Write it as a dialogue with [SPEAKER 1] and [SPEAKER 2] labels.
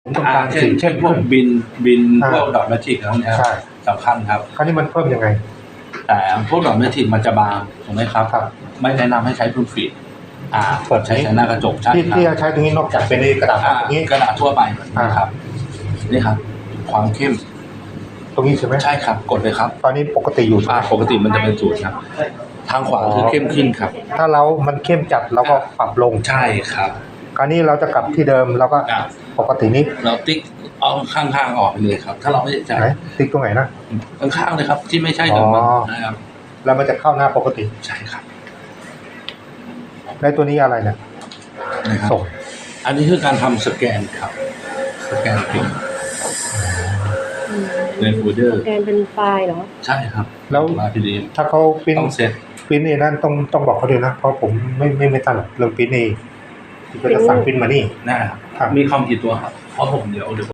[SPEAKER 1] ผมต้องการสิ่ง
[SPEAKER 2] เช่นพวกบินพวกดอทแมทริกอะไรพวกนี้ครับสำคัญครับ
[SPEAKER 1] คราวนี้มันเพิ่มยังไง
[SPEAKER 2] แต่พวกดอทแมทริกมันจะบางถูกไหมครับไม่แนะนำให้ใช้พื้นฟีด
[SPEAKER 1] เปิด
[SPEAKER 2] ใช้หน้ากระจกใช่ครับ
[SPEAKER 1] ที่ใช้ตรงนี้นอกจากเป็นกระดาษตรงนี้
[SPEAKER 2] กระดาษทั่วไปนะครับนี่ครับความเข้ม
[SPEAKER 1] ตรงนี้ใช่ไหม
[SPEAKER 2] ใช่ครับกดเลยครับ
[SPEAKER 1] ตอนนี้ปกติอยู่
[SPEAKER 2] ปกติมันจะเป็นศูนย์ครับทางขวาคือเข้มขึ้นครับ
[SPEAKER 1] ถ้ามันเข้มจัดเราก็ปรับลง
[SPEAKER 2] ใช่ครับ
[SPEAKER 1] คราวนี้เราจะกลับที่เดิมเราก็ปกตินี้
[SPEAKER 2] เราติ๊กเอาข้างๆออกไปเลยครับถ้าเราไม่ใช่
[SPEAKER 1] ติ๊กตรงไหนนะ
[SPEAKER 2] ข้างๆเลยครับที่ไม่ใช่เดิมนะครับ
[SPEAKER 1] แล้วมันจะเข้าหน้าปกติ
[SPEAKER 2] ใช่ครับ
[SPEAKER 1] ในตัวนี้อะไรเนี่ย
[SPEAKER 2] ส่งอันนี้คือการทำสแกนครับสแกนพิมพ์ในโฟลเดอร์
[SPEAKER 3] สแกนเป็นไฟล์เหรอ
[SPEAKER 2] ใช่ครับ
[SPEAKER 1] แล้วถ้าเขา
[SPEAKER 2] ต้องเซต
[SPEAKER 1] พิมพ์นั่นต้องบอกเขาด้วยนะเพราะผมไม่ถนัดเรื่องพิมพ์ก็จะสั่งพิมพ์มานี่
[SPEAKER 2] นะครับมีคอมกี่ตัวครับเพราะผมเดี๋ยว